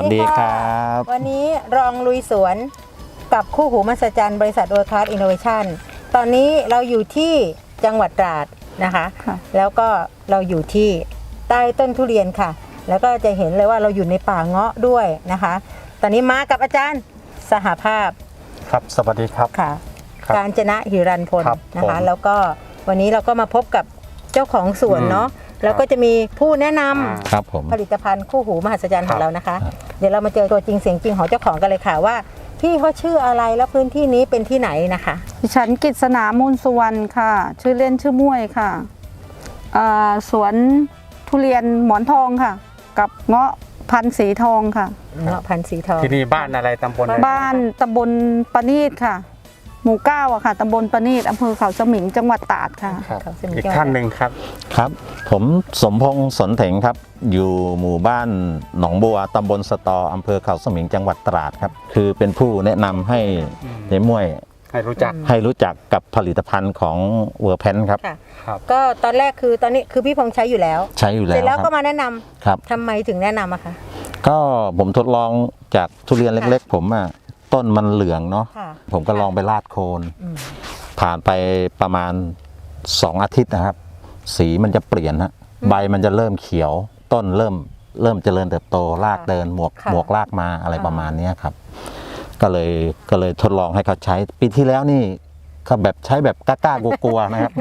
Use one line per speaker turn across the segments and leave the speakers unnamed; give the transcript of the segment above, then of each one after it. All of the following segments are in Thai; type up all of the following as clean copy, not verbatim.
ดีครับ
วันนี้รองลุยสวนกับคู่หูมหัศจรรย์บริษัท World Class Innovation ตอนนี้เราอยู่ที่จังหวัดตราดนะคะแล้วก็เราอยู่ที่ใต้ต้นทุเรียนค่ะแล้วก็จะเห็นเลยว่าเราอยู่ในป่าเงาะด้วยนะคะตอนนี้มากับอาจารย์สหภาพ
ครับสวัสดีครับ
ค่ะกาญจนะหิรันพลนะคะแล้วก็วันนี้เราก็มาพบกับเจ้าของสวนเนาะแล้วก็จะมีผู้แนะนำผลิตภัณฑ์คู่หูมหัศจรรย์ของเรานะคะเดี๋ยวเรามาเจอตัวจริงเสียงจริงของเจ้าของกันเลยค่ะว่าพี่เขาชื่ออะไรแล้วพื้นที่นี้เป็นที่ไหนนะคะ
ดิฉันกฤษณามูลสุวรรณค่ะชื่อเล่นชื่อม่วยค่ะสวนทุเรียนหมอนทองค่ะกับเงาะพันธุ์สีทองค่ะ
เงาะพันธุ์สีทอง
ที่นี่บ้านอะไรตำบลอะไร
บ้านตำบลปะนีดค่ะหมู่9อะค่ะตำบลปะนีดอำเภอเขาสมิงจังหวัดตราดค่ะ
อีกท่านหนึ่งครับ
ครับผมสมพงษ์สนเถงครับอยู่หมู่บ้านหนองบัวตำบลสตออำเภอเขาสมิงจังหวัดตราดครับคือเป็นผู้แนะนำให้ในม่วย
ให้รู้
จักกับผลิตภัณฑ์ของเวอร์แพนครับ
ก็ตอนแรกคือตอนนี้คือพี่พงษ์ใช้อยู่แล้ว
เสร็
จแล้วก็มาแนะนำ
ครับ
ทำไมถึงแนะนำอะคะ
ก็ผมทดลองจากทุเรียนเล็กๆผมอะต้นมันเหลืองเนาะผมก็ลองไปราดโคนผ่านไปประมาณ2 อาทิตย์นะครับสีมันจะเปลี่ยนฮะใบมันจะเริ่มเขียวต้นเริ่มเจริญเติบโตรากเดินหมวกรากมาอะไรประมาณนี้ครับก็เลยทดลองให้เขาใช้ปีที่แล้วนี่เขาแบบใช้แบบกล้ากลัวๆนะครับ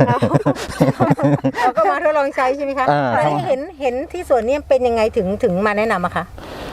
เราก็มาทดลองใช้ใช่ไหมคะแล้วเห็นที่สวนนี้เป็นยังไงถึงมาแนะนำอะคะ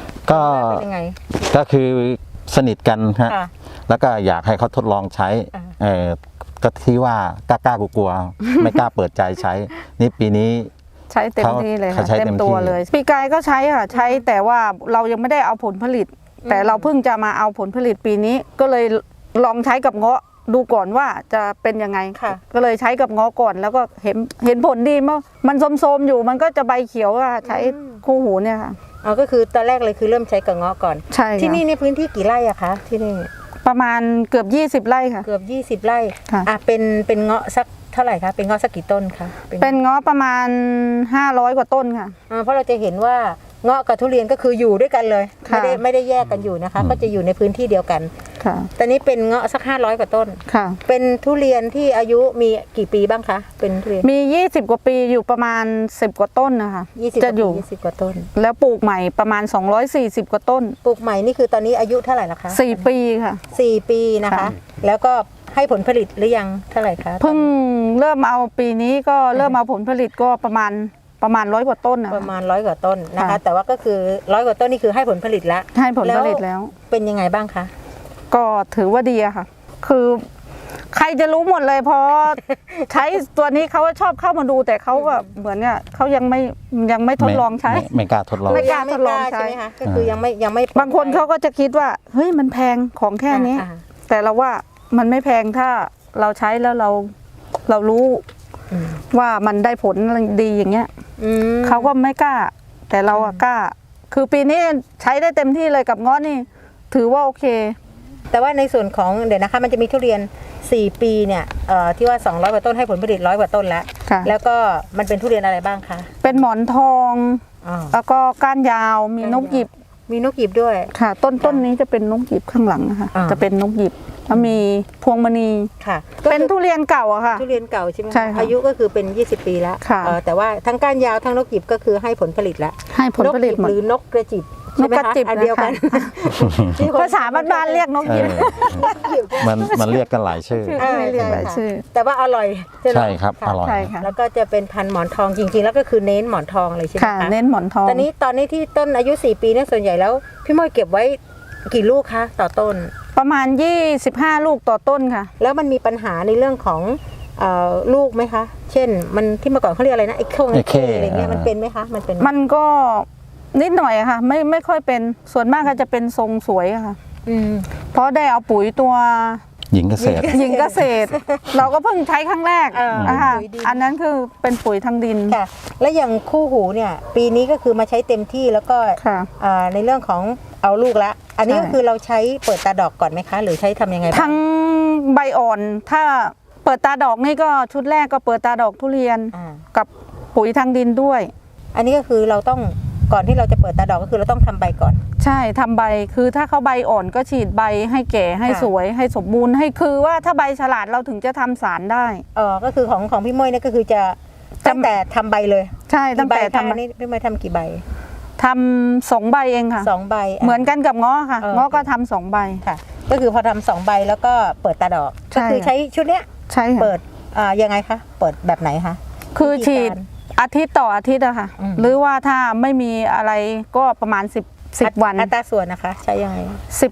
ก็คือสนิทกันฮะแล้วก็อยากให้เขาทดลองใช้ก็ที่ว่ากล้ากลัวไม่กล้าเปิดใจใช้นี่ปีนี้
ใช้เต็มที่เลยค่ะเต็มตัวเลยปีกายก็ใช้ค่ะใช้แต่ว่าเรายังไม่ได้เอาผลผลิตแต่เราเพิ่งจะมาเอาผลผลิตปีนี้ก็เลยลองใช้กับเงาะดูก่อนว่าจะเป็นยังไงก็เลยใช้กับเงาะก่อนแล้วก็เห็นผลดีมากมันโทรมๆอยู่มันก็จะใบเขียวค่ะใช้คู่หูเนี่ยค่ะ
ก็คือตอนแรกเลยคือเริ่มใช้กับเงาะก่อน
ใช่
ที่นี่ในพื้นที่กี่ไร่อะคะที่นี่
ประมาณเกือบ20 ไร่ค่ะ
เกือบ20 ไร่เป็นเงาะสักเท่าไหร่คะเป็นเงาะสักกี่ต้นคะ
เป็นเงาะประมาณ500 กว่าต้นค่ะ
เพราะเราจะเห็นว่าเงาะกับทุเรียนก็คืออยู่ด้วยกันเลยไม่ได้แยกกันอยู่นะคะก็จะอยู่ในพื้นที่เดียวกันตอนนี้เป็นเงาะสัก500 กว่าต้นเป็นทุเรียนที่อายุมีกี่ปีบ้างคะเป็นทุเรียน
มี20 กว่าปีอยู่ประมาณ10 กว่าต้นนะคะ
จะอยู่20 กว่าต้น
แล้วปลูกใหม่ประมาณ240 กว่าต้น
ปลูกใหม่นี่คือตอนนี้อายุเท่าไหร่ละคะ
4 ปีค่ะ
4 ปีนะคะแล้วก็ให้ผลผลิตหรือยังเท่าไหร่คะ
เพิ่งเริ่มเอาปีนี้ก็เริ่มเอาผลผลิตก็ประมาณ100 กว่าต้นนะ
ประมาณ100 กว่าต้นนะคะแต่ว่าก็คือ100 กว่าต้นนี่คือให้ผลผลิตแล้ว
ให้ผลผลิตแล้ว
เป็นยังไงบ้างคะ
ก็ถือว่าดีอะค่ะคือใครจะรู้หมดเลยเพราะใช้ตัวนี้เขาชอบเข้ามาดูแต่เขาก็เหมือนเนี่ยเขายังไม่ทดลองใช้
ไม่กล้าทดลอง
ใช่ไหมคะก็คือยังไม่
บางคนเขาก็จะคิดว่าเฮ้ยมันแพงของแค่นี้แต่เราว่ามันไม่แพงถ้าเราใช้แล้วเรารู้ว่ามันได้ผลดีอย่างเงี้ยเขาก็ไม่กล้าแต่เรากล้าคือปีนี้ใช้ได้เต็มที่เลยกับเงาะนี่ถือว่าโอเค
แต่ว่าในส่วนของเดี๋ยวนะคะมันจะมีทุเรียน4 ปีเนี่ยที่ว่า200 กว่าต้นให้ผลผลิต100 กว่าต้นแล้วก็มันเป็นทุเรียนอะไรบ้างคะ
เป็นหมอนทองแล้วก็ก้านยาวมีนกหยิบ
ด้วย
ค่ะต้นนี้จะเป็นนกหยิบข้างหลังนะคะจะเป็นนกหยิบแล้วมีพวงมณี
ค่ะ
เป็นทุเรียนเก่าอะค่ะ
ทุเรียนเก่าใช่ไหมอายุก็คือเป็น20 ปีแล้วแต่ว่าทั้งก้านยาวทั้งนกหยิบก็คือให้ผลผลิตแล้ว
ให้ผลผลิต
หรือนกกระจิบ
นกกระจิบ
เดียวกัน
ภาษาบ้านๆเรียกนกหยิบ
มันเรียกกันหลายชื่อ
แต่ว่าอร่อย
ใช่ครับอร่อย
แล้วก็จะเป็นพันธุ์หมอนทองจริงๆแล้วก็คือเน้นหมอนทองเลยใช่ไหมคะ
เน้นหมอนทอง
ตอนนี้ที่ต้นอายุ4 ปีเนี่ยส่วนใหญ่แล้วพี่ม้อยเก็บไว้กี่ลูกคะต่อต้น
ประมาณ25 ลูกต่อต้นค่ะ
แล้วมันมีปัญหาในเรื่องของลูกไหมคะเช่นมันที่เมื่อก่อนเขาเรียกอะไรนะไอ้เข้อะไรเงี้ยมันเป็นไหมคะ
มันก็นิดหน่อยค่ะไม่ค่อยเป็นส่วนมากก็จะเป็นทรงสวยค่ะเพราะได้เอาปุ๋ยตัว
หญิงเกษตร
เราก็เพิ่งใช้ครั้งแรกอันนั้นคือเป็นปุ๋ยทางดิน
ค่ะและอย่างคู่หูเนี่ยปีนี้ก็คือมาใช้เต็มที่แล้วก็ในเรื่องของเอาลูกละอันนี้ก็คือเราใช้เปิดตาดอกก่อนไหมคะหรือใช้ทำยังไง
ทั้งใบอ่อนถ้าเปิดตาดอกนี่ก็ชุดแรกก็เปิดตาดอกทุเรียนกับปุ๋ยทางดินด้วย
อันนี้ก็คือเราต้องก่อนที่เราจะเปิดตาดอกก็คือเราต้องทำใบก่อน
ใช่ทำใบคือถ้าเขาใบอ่อนก็ฉีดใบให้แก่ให้
ค่ะ
สวยให้สมบูรณ์ให้คือว่าถ้าใบฉลาดเราถึงจะทำสารได้
ก็คือของพี่ม้ยเนี่ยก็คือจะตั้งแต่ทำใบเลย
ใช่ตั้งแต่
กี่ใบ
ทำ
คะนี่พี่ม้ยทำกี่ใบ
ทำ2 ใบเองค่ะ
2 ใบ
เหมือนกันกับง้อค่ะ ง้อก็ทำ2 ใบ
ค่ะ ก็คือพอทำ2 ใบแล้วก็เปิดตาดอก
ใช่
ก็คือใช้ชุดเนี้ย
ใช่ค่ะ
เปิดยังไงคะเปิดแบบไหนคะ
คือ
วิธี
ฉีด
การ
อาทิตย์ต่ออาทิตย์อะค่ะ
อืม
หรือว่าถ้าไม่มีอะไรก็ประมาณ10 วัน
อัตราส่วนนะคะใช้ยังไง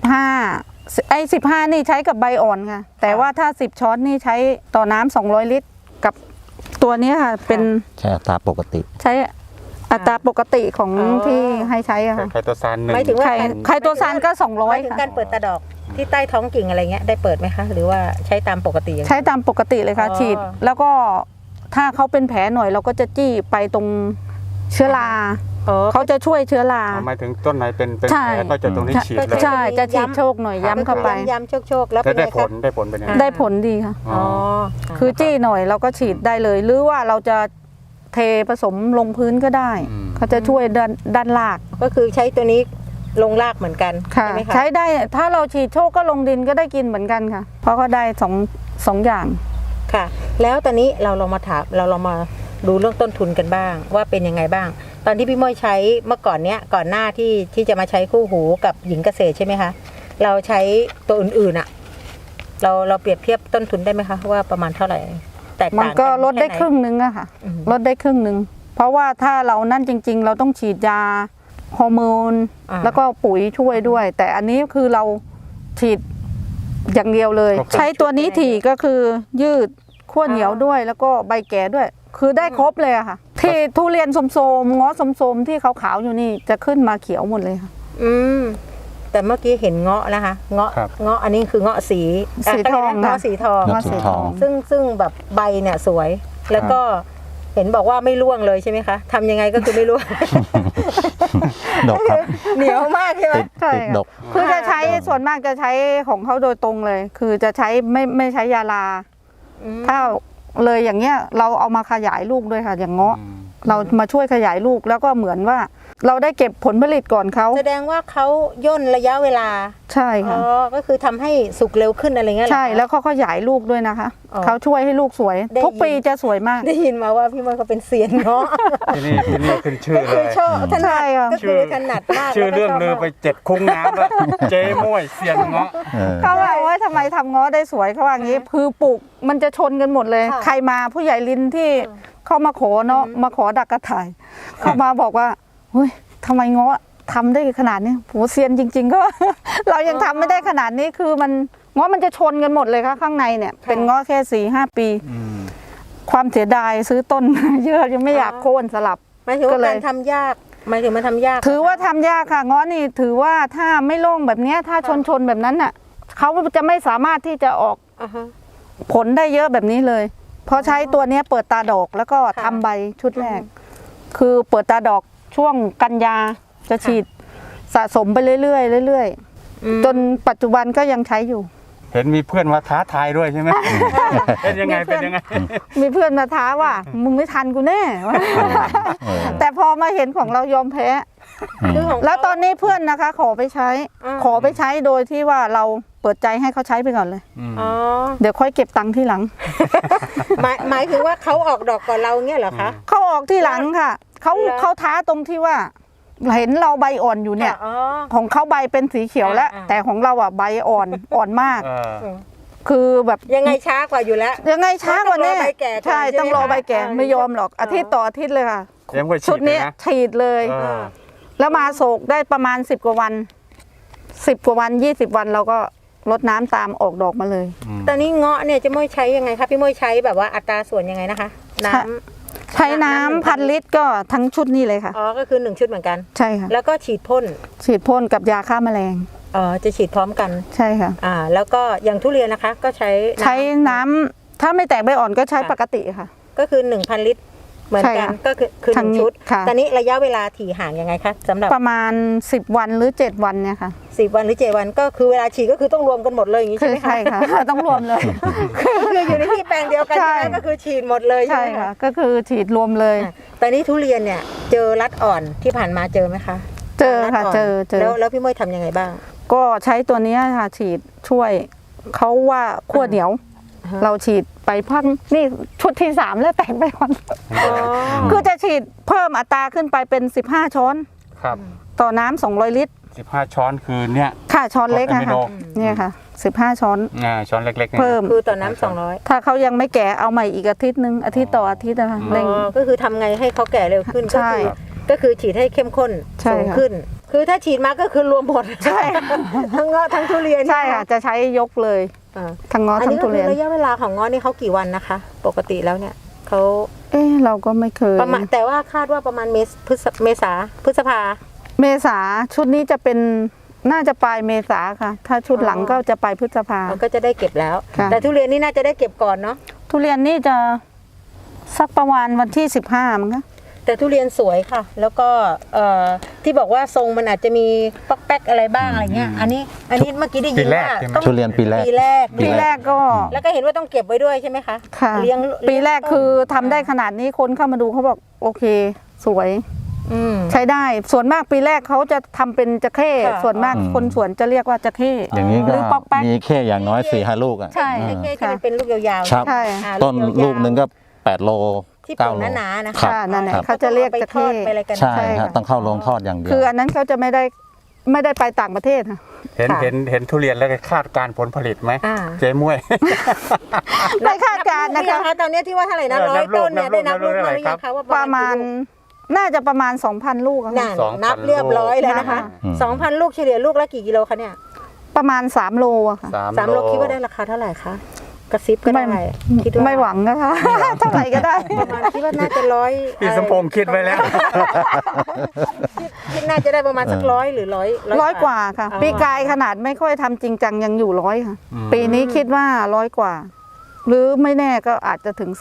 15นี่ใช้กับใบอ่อนค่ะ แต่ว่าถ้า10 ช้อนนี่ใช้ต่อน้ำ200 ลิตรกับตัวนี้ค่ะ เป็น
ใช่อัตราปกติ
ใช้อัตราปกติของ
อ๋อ
ที่ให้ใช้อะค่ะ
ไคโตซาน1
หมายถึงว่า
ไข่ตัวซานก็
หมายถึง
200 ค่ะ
การเปิดตาดอกที่ใต้ท้องกิ่งอะไรเงี้ยได้เปิดไหมคะ หรือว่าใช้ตามปกติอย่างเดียว
ใช้ตามปกติเลยค่ะ
อ๋อ
ฉีด แล้วก็ถ้าเขาเป็นแผลหน่อยเราก็จะจี้ไปตรงเชื้อรา
อ๋อ
เขาจะช่วยเชื้อรา
หมายถึงต้นไหนเป็น
ใช่
แผลก็จะตรงนี้ฉีดเลย
ใช่จะฉีดโชคหน่อยย้ำเข้าไป
ย้ำโชคๆแล้ว
แต่
เป็น
ได้
ไง
ผ
คะ
ลได้ผลเป็นยังไง
ได้ผลดีค่ะ
อ๋อ
คือจี้หน่อยเราก็ฉีดได้เลย หรือว่าเราจะเทผสมลงพื้นก็ได้ เขาจะช่วยด้านราก
ก็คือใช้ตัวนี้ลงรากเหมือนกัน
ค่ะ
ใช่ไหมคะ
ใช้ได้ถ้าเราฉีดโชคก็ลงดินก็ได้กินเหมือนกันค่ะ เพราะก็ได้สองอย่าง
ค่ะ แล้วตอนนี้เราลองมาดูเรื่องต้นทุนกันบ้าง ว่าเป็นยังไงบ้าง ตอนที่พี่ม้ยใช้เมื่อก่อนเนี้ยก่อนหน้าที่จะมาใช้คู่หูกับหญิงเกษตรใช่ไหมคะเราใช้ตัวอื่นๆอะเราเปรียบเทียบต้นทุนได้ไหมคะว่าประมาณเท่าไหร่แตก
มัน
ต่าง
ก็
กัน
ลดได้
แไหน
ครึ่งนึงอะค่ะ
อืม
ลดได้ครึ่งนึง เพราะว่าถ้าเรานั่นจริง ๆ เราต้องฉีดยาฮอร์โมน แล้วก็ปุ๋ยช่วยด้วย แต่อันนี้คือเราฉีดอย่างเดียวเลย
ครบ
ใช้ตัวนี้ถี่ก็คือยืดขั้วเหนียวด้วย แล้วก็ใบแก่ด้วย คือได้ครบเลยอะค่ะ ที่ทุเรียนสมๆง้อสมๆที่ขาวๆอยู่นี่จะขึ้นมาเขียวหมดเลยค่ะ
อืมแต่เมื่อกี้เห็นเงาะนะคะเงาะ
ครับ
เงาะอันนี้คือเงาะสี
สีทอง
เงาะ
ค่ะ
สีทอง
เงาะสีทอง
ซึ่งแบบใบเนี่ยสวย แล้วก็เห็นบอกว่าไม่ร่วงเลยใช่ไหมคะทำยังไงก็คือไม่ร่วง
ดกครับ
เหนียวมากใช่ไหม
ติด
ใช่
ติด
ค่ะ
ดก
คือจะใช้ส่วนมากจะใช้ของเขาโดยตรงเลย คือจะใช้ไม่ใช้ยาลา ถ้าเลยอย่างเงี้ยเราเอามาขยายลูกด้วยค่ะ อย่างเงาะเรามาช่วยขยายลูกแล้วก็เหมือนว่า เราได้เก็บผลผลิตก่อนเขา
แสดงว่าเขาย่นระยะเวลา
ใช่
อ๋
ค่ะ
อก็คือทำให้สุกเร็วขึ้นอะไรเงี้ยเหรอ
ใช่
คะ
แล้วเขาขยายลูกด้วยนะคะ
อ๋อ
เขาช่วยให้ลูกสวย
ได้
ทุกปีจะสวยมาก
ได้ยินมาว่าพี่มดเขาเป็นเซียนเงาะ
ที่นี่ขึ้นชื่อ
ก็
เล
คือย ชอบถนั
ใช่
ด
ค่ะ
ก็คือถนัดมาก
ชื่อ
แล้วก็
เรื่อง
ชบ
ลือ
มาก
ไป7 คุ้งน้ำแล้วเจ๊ม้วยเซียนเงาะ
เออ
เขาบอกว่าทำไมทำง้อได้สวยเขาว่างี้คือปลูกมันจะชนกันหมดเลย
ค่ะ
ใครมาผู้ใหญ่ลินที่เขามาขอเนาะมาขอดักกระถ่ายเขามาบอกว่าเฮ้ยทำไมง้อทำได้ขนาดนี้โหเซียนจริง ๆ ก็ เรายังทำไม่ได้ขนาดนี้คือมันง้อมันจะชนกันหมดเลยค่ะข้างในเนี่ย เป็นง้อแค่4-5 ปี ความเสียดายซื้อต้น เยอะยังไม่อยากโค่นสลับ
หมายถึง
ก็
ว่า
เลย
การทำยากหมายถึงมันทำยาก
ถือว่าทำยากค่ะง้อนี่ถือว่าถ้าไม่โล่งแบบเนี้ยถ้าชนแบบนั้นน่ะเขาจะไม่สามารถที่จะออก
อ่าฮะ
ผลได้เยอะแบบนี้เลยเพราะใช้ตัวเนี้ยเปิดตาดอกแล้วก็
ค่ะ
ทำใบชุดแรก คือเปิดตาดอกช่วงกันยาจะฉีดสะสมไปเรื่อยๆเรื่อย
อืม
ๆจนปัจจุบันก็ยังใช้อยู่
เห็นมีเพื่อนมาท้าทายด้วยใช่ไหมเป็นยังไง
มีเพื่
เป็
อน
นยังไง
มีเพื่อนมาท้าว่ามึงไม่ทันกูแน่
เออ
แต่พอมาเห็นของเรายอมแพ้
คือของ
แล้วตอนนี้เพื่อนนะคะขอไปใช้ ขอไปใช้โดยที่ว่าเราเปิดใจให้เขาใช้ไปก่อนเลย
อ๋อ
เดี๋ยวค่อยเก็บตังค์ที่หลัง
หมายถึงว่าเขาออกดอกก่อนเราเงี้ยเหรอคะ
เขาออกที่หลังค่ะเขา
เหรอ
เขาท้าตรงที่ว่าเห็นเราใบอ่อนอยู่เนี่ย
อ๋อ
ของเขาใบเป็นสีเขียวแล้ว
อ่า
แต่ของเราอ่ะใบอ่อนมาก
เออ
คือแบบ
ยังไงช้ากว่าอยู่แล้ว
ยังไงช้ากว่านี้
ต้องรอใบแก่ก่อน
ใช่
ใช่ไหม
ต้องรอใบแก่
คะ
ไม่ยอมหรอกอาทิตย์ต่ออาทิตย์เลยค่ะ
ยังไม่ฉี
ชุ
ด
ด
เล
นี้
ยนะ
ฉีดเลย
เออ
แล้วมาโศกได้ประมาณ10 กว่าวัน10 กว่าวัน20 วันเราก็รดน้ำตามออกดอกมาเลย
ตอนนี้เงาะเนี่ยจะม้ยใช้ยังไงคะพี่ม้ยใช้แบบว่าอัตราส่วนยังไงนะคะ น้
ใช่ ใช้น้ำ1,000 ลิตรก็ทั้งชุดนี้เลยค่ะ
ำอ๋อก็คือ1ชุดเหมือนกัน
ใช่ค่ะ
แล้วก็ฉีดพ่น
ฉีดพ่นกับยาฆ่าแมลง
จะฉีดพร้อมกัน
ใช่ค่ะ
แล้วก็อย่างทุเรียนนะคะ ก็ใช้
ใช้น้ำถ้าไม่แตกใบอ่อนก็ใช้ปกติค่ะ
ก็คือ1,000 ลิตรเหมือนกัน
ใช่ค่ะ
ก็คือห
ทาง
นึ่ง
นี้
ชุด
ค่ะ
ตอนนี้ระยะเวลาถี่ห่างยังไงคะสำหรับ
ประมาณ10 วันหรือ7 วันเนี่ยค่ะ
10 วันหรือ7 วันก็คือเวลาฉีดก็คือต้องรวมกันหมดเลยอย่างนี้
คื
ใช่
อ
ไหมคะ
ใช่ค่ะ ต้องรวมเลย
คืออยู่ในที่แปลงเดียวกัน
ใช่
ใช่ไหมก็คือฉีดหมดเลยใช่
ใช่
ไหม
ค่ะ
คะ
ก็คือฉีดรวมเลย
อ่ะตอนนี้ทุเรียนเนี่ยเจอรัดอ่อนที่ผ่านมาเจอไหมคะ
เจอค่ะ
รัดน
เจอ
แล้วพี่ม้ยทำยังไงบ้าง
ก็ใช้ตัวเนี้ยค่ะฉีดช่วยเขาว่าขั้วเหนียว
ฮะ
เราฉีดไปพังนี่ชุดที่ 3 แล้วแต่งไปวัน
อ๋อ
คือจะฉีดเพิ่มอัตราขึ้นไปเป็น15 ช้อน
ครับ
ต่อน้ำ200 ลิตร
15 ช้อนคือเนี่ย
ค่ะช้อนเล็ก
อะ
นะ
มิ
คะ
โน
เนี่ยค่ะ15 ช้อน
ช้อนเล็กๆนี่ย
เพิ่ม
คือต่อน้ำ200
ถ้าเขายังไม่แก่เอาใหม่อีกอาทิตย์นึงอาทิตย์ต่ออาทิตย์นะคะเร่ง
ก็คือทำไงให้เขาแก่เร็วขึ้น
ใช่
ก็คือฉีดให้เข้มข้น
ใช่
สูง
ค่ะ
ขึ้น คือถ้าฉีดมาก็คือรวมหมด
ใช่
ทั้งเงาะทั้งทุเรียน
ใช่ค่ะจะใช้ยกเลย
อ่า
ทั้งง้อ
อัน
ทั้ง
นี้ก็
ทุ
คื
เรี
อย
น
ระยะเวลาของเงาะนี่เขากี่วันนะคะ ปกติแล้วเนี่ยเขา
เราก็ไม่เคย
ประมาณแต่ว่าคาดว่าประมาณเมษาพฤษภา
เมษาชุดนี้จะเป็นน่าจะปลายเมษาค่ะ ถ้าชุดหลัง
อ๋อ
ก็จะปลายพฤษภา
เราก็จะได้เก็บแล้ว
ค่ะ
แต่ทุเรียนนี่น่าจะได้เก็บก่อนเนาะ
ทุเรียนนี่จะสักประมาณวันที่15มั้งคะ
แต่ทุเรียนสวยค่ะ แล้วก็ที่บอกว่าทรงมันอาจจะมีป๊อกแป๊กอะไรบ้างอะไรเงี้ยอันนี้เมื่อกี้ได้ยิน
ปีแรก
ว่า
ใช่ไหม
ต้อง
ทุเรียนปีแรก
ปีแรก
ปีแรกก็
แล้วก็เห็นว่าต้องเก็บไว้ด้วยใช่ไหมคะ
ค่ะ
เลี้ยง
ปีแรกคือทำได้ขนาดนี้คนเข้ามาดูเขาบอกโอเค สวย
อืม
ใช้ได้ส่วนมากปีแรกเขาจะทำเป็นจะเข้
ค่ะ
ส่วนมาก
อืม
คนสวนจะเรียกว่าจะเข้
อย่างนี้
ห
ก็
รือป๊อกแป๊ก
มีแค่อย่างน้อย4-5 ลูกอ่ะ
ใช่
ไอ้แค่ที่มันเป็นลูกยาวๆ
ครับ
ใช่
อ่า
ต้น
ยาวๆ
ลูกหนึงก็8 โล
ที่
9
ปลูก
โล
หนาๆนะ
ครั
คะ
บ
ค่ะนั่นแหละ
ครับ
เขาจะเรียก
ไป
จะ
ทอ
เข้
ดไปอะไรกัน
ใช่
ใช่
ฮะ
ค่ะ
ต้องเข้าโรงทอดอย่างเดียว
คืออันนั้นเขาจะไม่ได้ไปต่างประเทศค่ะ
เห็นทุเรียนแล้วก็คาดการณ์ผลผลิตไหม
อ่า
เจ๊ม้วย
ไม่คาดการณ์
นั
นะ
บลูกหรือยั
คะ
งคะตอนนี้ที่ว่าเท่าไหร่นะ
เออ
100 ต้นเนี่ย
นั
ได้
บ
นับ
ลู
ลู
ก
ก
เท่าไหร่
มาหรือยัง
ครั
คะ
บ
ว่า
ประมาณ
กี่ลูก
น่าจะประมาณ 2,000 ลูกอะ
นั่
ค่ะ
น
2,000
นับเรียบร้อยแล้วนะคะ
อืม
2,000 ลูกเฉลี่ยลูกละกี่กิโลคะเนี่ย
ประมาณ3 โลอะค่ะ
3 โลคิดว่าได้ราคาเท่าไหร่คะกระซิบก็ได้คิดว่า
ไม่หวังนะคะ เท่าไหร่ก็ได้
ประมาณคิดว่าน่าจะร้อย
พี่สมพงษ์คิดไว้แล้ว
คิดน่าจะได้ประมาณสัก100หรือ100
100 กว่าค่ะ
อ๋อ
ปีกายขนาดไม่ค่อยทำจริงจังยังอยู่100ค่ะ
อืม
ปีนี้คิดว่า100 กว่า หรือไม่แน่ก็อาจจะถึง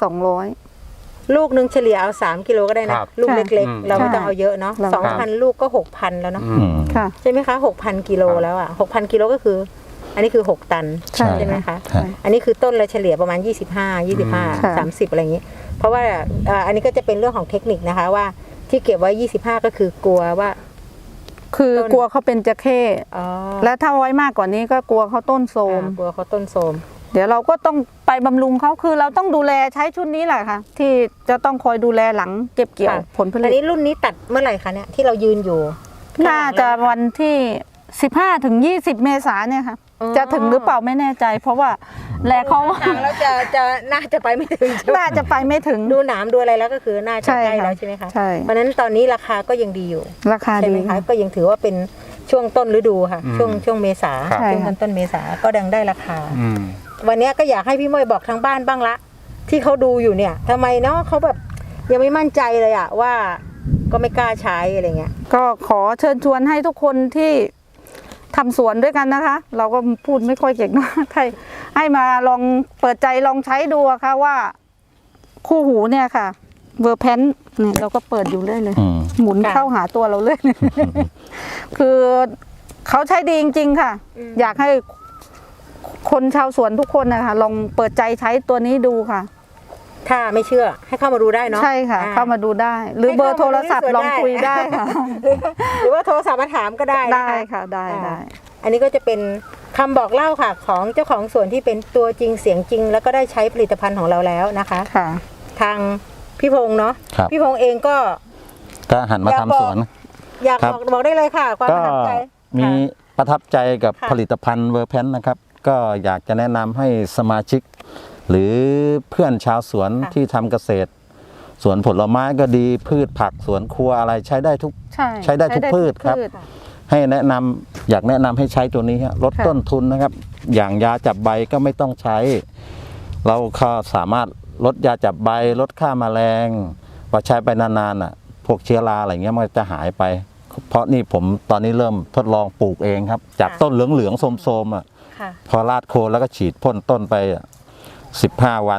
200
ลูกหนึงเฉลี่ยเอา3 กิโลก็ได้นะครับ ลูกเล็ก
อืม
ๆ เราไม่ต้องเอาเยอะเนาะ
ใช่
2,000 ลูกก็ 6,000 แล้วเนาะ
อืม
ค่ะ
ใช่ไหมคะ 6,000 กิโลแล้วอ่ะ 6,000 กิโลก็คือ อันนี้คือ 6 ตัน
ใช่
ใช่ไหมคะ
ใช่
อันนี้คือต้นละเฉลี่ยประมาณ
ค่ะ
30 อะไรอย่างนี้ เพราะว่าอันนี้ก็จะเป็นเรื่องของเทคนิคนะคะว่าที่เก็บไว้ 25 ก็คือกลัวว่า
คือ
ต้น
กลัวเขาเป็นจะเข้
อ๋อ
และถ้าไว้มากกว่านี้ก็กลัวเขาต้นโทรม
กลัวเขาต้นโทรม
เดี๋ยวเราก็ต้องไปบำรุงเขาคือเราต้องดูแลใช้ชุดนี้แหละค่ะ ที่จะต้องคอยดูแลหลังเก็บเกี่ยว
ค่ะ
ผลผ
อั
ลิ
น
ต
นี้รุ่นนี้ตัดเมื่อไหร่คะเนี่ยที่เรายืนอยู่
น่าจะวันที่15 ถึง 20 เมษายนเนี่ยค่ะ
อ๋อ
จะถึงหรือเปล่าไม่แน่ใจ เพราะว่าแลเขา
ทางแล้วจะน่าจะไปไม่ถึงใช่ไหม
น่าจะไปไม่ถึง
ดูหนามดูอะไรแล้วก็คือน่าจะ
ใช่
ใกล้
ค่ะ
แล้วใช่ไหมคะ
ใช่
เพราะฉะนั้นตอนนี้ราคาก็ยังดีอยู่
ราคา
ใช่
ดี
ไหมคะก็ยังถือว่าเป็นช่วงต้นฤดูค่ะ
อืม
ช่วงเมษา
ครับ
ช่วงต้นเมษาก็ดังได้ราคา
อืม
วันนี้ก็อยากให้พี่ม้ยบอกทางบ้านบ้างละ ที่เขาดูอยู่เนี่ยทำไมเนาะเขาแบบยังไม่มั่นใจเลยอะว่าก็ไม่กล้าใช้อะไรเงี้ย
ก็ขอเชิญชวนให้ทุกคนที่ทำสวนด้วยกันนะคะ เราก็พูดไม่ค่อยเก่งมากให้มาลองเปิดใจลองใช้ดูอะค่ะว่าคู่หูเนี่ยค่ะเวอร์แพนเนี่ยเราก็เปิดอยู่เรื่อยเลย
อืม
หมุนเข้าหาตัวเราเลย คือเขาใช้ดีจริง ๆ ค่ะ อยากให้คนชาวสวนทุกคนนะคะลองเปิดใจใช้ตัวนี้ดูค่ะ
ถ้าไม่เชื่อให้เข้ามาดูได้เนาะ
ใช่ค่ะ เข้ามาดูได้ หรือเบอร์โทรศัพท์ลองคุยได้ค่ะ
หรือว่าโทรศัพท์มาถามก็ได้น
ได้ค่ะได้ได้
อันนี้ก็จะเป็นคำบอกเล่าค่ะ ของเจ้าของสวนที่เป็นตัวจริงเสียงจริง แล้วก็ได้ใช้ผลิตภัณฑ์ของเราแล้วนะคะ
ค่ะ
ทางพี่พงษ์เนาะ
ครับ
พี่พงษ์เองก็
ก็หันมาทำสวน
อยาก
ครับ
บอกได้เลยค่ะ ความ
ก็
ประทับใจ
มี
ค่ะ
ประทับใจกับ
ค่ะ
ผลิตภัณฑ์เวอร์แพนนะครับ ก็อยากจะแนะนำให้สมาชิก หรือเพื่อนชาวสวน
ค่ะ
ที่ทำเกษตร สวนผลไม้ก็ดีพืชผักสวนครัวอะไรใช้ได้ทุก ใช้ได้ทุกพืชครับ ให้แนะนำอยากแนะนำให้ใช้ตัวนี้ฮะลด
ค่ะ
ต้นทุนนะครับ อย่างยาจับใบก็ไม่ต้องใช้ เราก็สามารถลดยาจับใบลดค่าแมลงพอใช้ไปนานๆอ่ะ พวกเชื้อราอะไรเงี้ยมันจะหายไป เพราะนี่ผมตอนนี้เริ่มทดลองปลูกเองครับ จาก
ค่ะ
ต้นเหลืองๆโทรมๆอ่ะ
ค่ะ
พอราดโคนแล้วก็ฉีดพ่นต้นไป15 วัน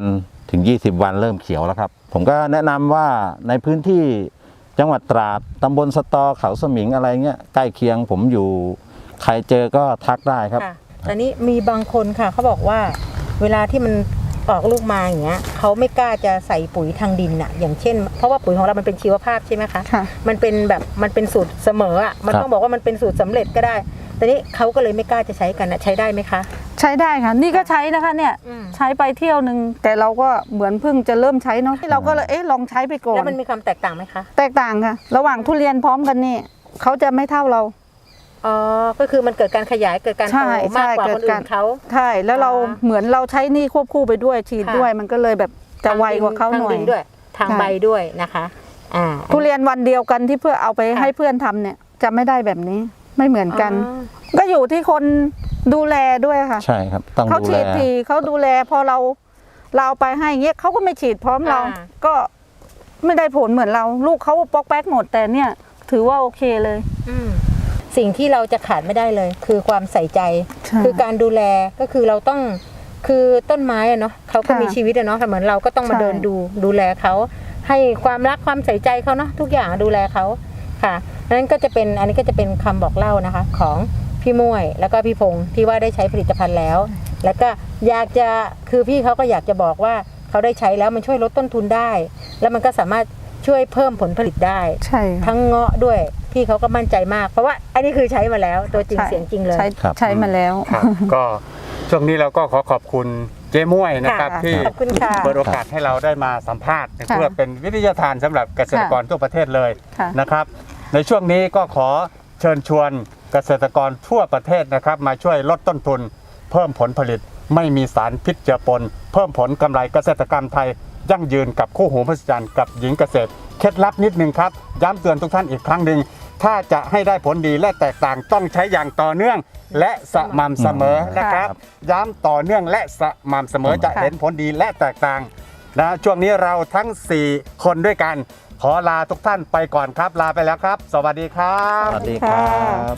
ถึง 20 วันเริ่มเขียวแล้วครับ ผมก็แนะนำว่าในพื้นที่จังหวัดตราดตำบลสตอเขาสมิงอะไรเงี้ยใกล้เคียงผมอยู่ใครเจอก็ทักได้ครับ
ค่ะตอนนี้มีบางคนค่ะเขาบอกว่าเวลาที่มันออกลูกมาอย่างเงี้ยเขาไม่กล้าจะใส่ปุ๋ยทางดินอะอย่างเช่นเพราะว่าปุ๋ยของเรามันเป็นชีวภาพใช่ไหมคะ
ค่ะ
มันเป็นแบบมันเป็นสูตรเสมออะมัน
ครับ
ต้องบอกว่ามันเป็นสูตรสำเร็จก็ได้แต่นี้เขาก็เลยไม่กล้าจะใช้กันนะใช้ได้ไหมคะ
ใช้ได้ค่ะ นี่ก็ใช้นะคะเนี่ย
อืม
ใช้ไปเที่ยวหนึ่งแต่เราก็เหมือนเพิ่งจะเริ่มใช้เนาะเราก็เลยลองใช้ไปก่อน
แล้วมันมีความแตกต่างไหมคะ
แตกต่างค่ะ ระหว่างทุเรียนพร้อมกันนี่เขาจะไม่เท่าเรา
อ๋อก็คือมันเกิดการขยายเกิดการ
ใช่
โตมากกว่า
ใช่
คนอื่นเขา
ใช่แล้วเรา
อ่า
เหมือนเราใช้นี่ควบคู่ไปด้วยฉีด
ค่ะ
ด้วยมันก็เลยแบบจะไวกว่าเขาหน่อย
ทงดิด้วยทาง
ใช่
ใบด้วยนะคะ
ทุเรียนวันเดียวกันที่เพื่อเอาไป
ค่ะ
ให้เพื่อนทำเนี่ยจะไม่ได้แบบนี้ไม่เหมือนกัน
อ๋อ
ก็อยู่ที่คนดูแลด้วยค่ะ
ใช่ครับต้อง
เขา
ดูแล
ฉีดทีเขาดูแลพอเราเอาไปให้เงี้ยเขาก็ไม่ฉีดพร้อมเรา
อ่า
ก็ไม่ได้ผลเหมือนเรา ลูกเขาปอกแป๊กหมดแต่เนี่ยถือว่าโอเคเลย
อืมสิ่งที่เราจะขาดไม่ได้เลย คือความใส่ใจ
ใช่
คือการดูแลก็คือเราต้องคือต้นไม้อะเนาะเขาก็
ค่ะ
มีชีวิตอะเนาะเหมือนเราก็ต้องมา
ใช่
เดินดูแลเขาให้ความรักความใส่ใจเขาเนาะทุกอย่างดูแลเขาค่ะนั้นก็จะเป็นอันนี้ก็จะเป็นคำบอกเล่านะคะ ของพี่ม่วยแล้วก็พี่พงษ์ที่ว่าได้ใช้ผลิตภัณฑ์แล้ว แล้วก็อยากจะคือพี่เขาก็อยากจะบอกว่าเขาได้ใช้แล้วมันช่วยลดต้นทุนได้ แล้วมันก็สามารถช่วยเพิ่มผลผลิตได้
ใช่ค่ะ
ทั้งเงาะด้วยพี่เขาก็มั่นใจมาก เพราะว่าอันนี้คือใช้มาแล้วตัวจริงเสียงจริงเลย
ใช้
ครับ
ใช้มาแล้ว
ครับ ก็ช่วงนี้เราก็ขอขอบคุณเจ๊ม่วยนะครับ
ค่ะ
ที่
ขอบคุณค่ะ
เปิดโอกาสให้เราได้มาสัมภาษณ์เพื่อเป็นวิทยาทานสำหรับเกษตรกรทั่วประเทศเลย
ค่ะ
นะครับ ในช่วงนี้ก็ขอเชิญชวนเกษตรกรทั่วประเทศนะครับมาช่วยลดต้นทุน เพิ่มผลผลิตไม่มีสารพิษเจือปน เพิ่มผลกำไรเกษตรกรรมไทยยั่งยืนกับคู่หูมหัศจรรย์กับหญิงเกษตรเคล็ดลับนิดนึงครับย้ำเตือนทุกท่านอีกครั้งหนึ่งถ้าจะให้ได้ผลดีและแตกต่างต้องใช้อย่างต่อเนื่องและสม่ำเสมอนะครับย้ำต่อเนื่องและสม่ำเสมอจะ
ค่ะ
เห็นผลดีและแตกต่างนะช่วงนี้เราทั้ง 4 คนด้วยกัน ขอลาทุกท่านไปก่อนครับ ลาไปแล้วครับ สวัสดีครับ
สวัสดีครับ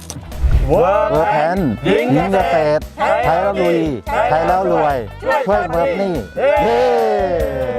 เวิร์
เวิร์กแพนหญิงเกษตรไทยแล้วลุยไทยแล้วรวยช่วยเวิร์กนี่เย้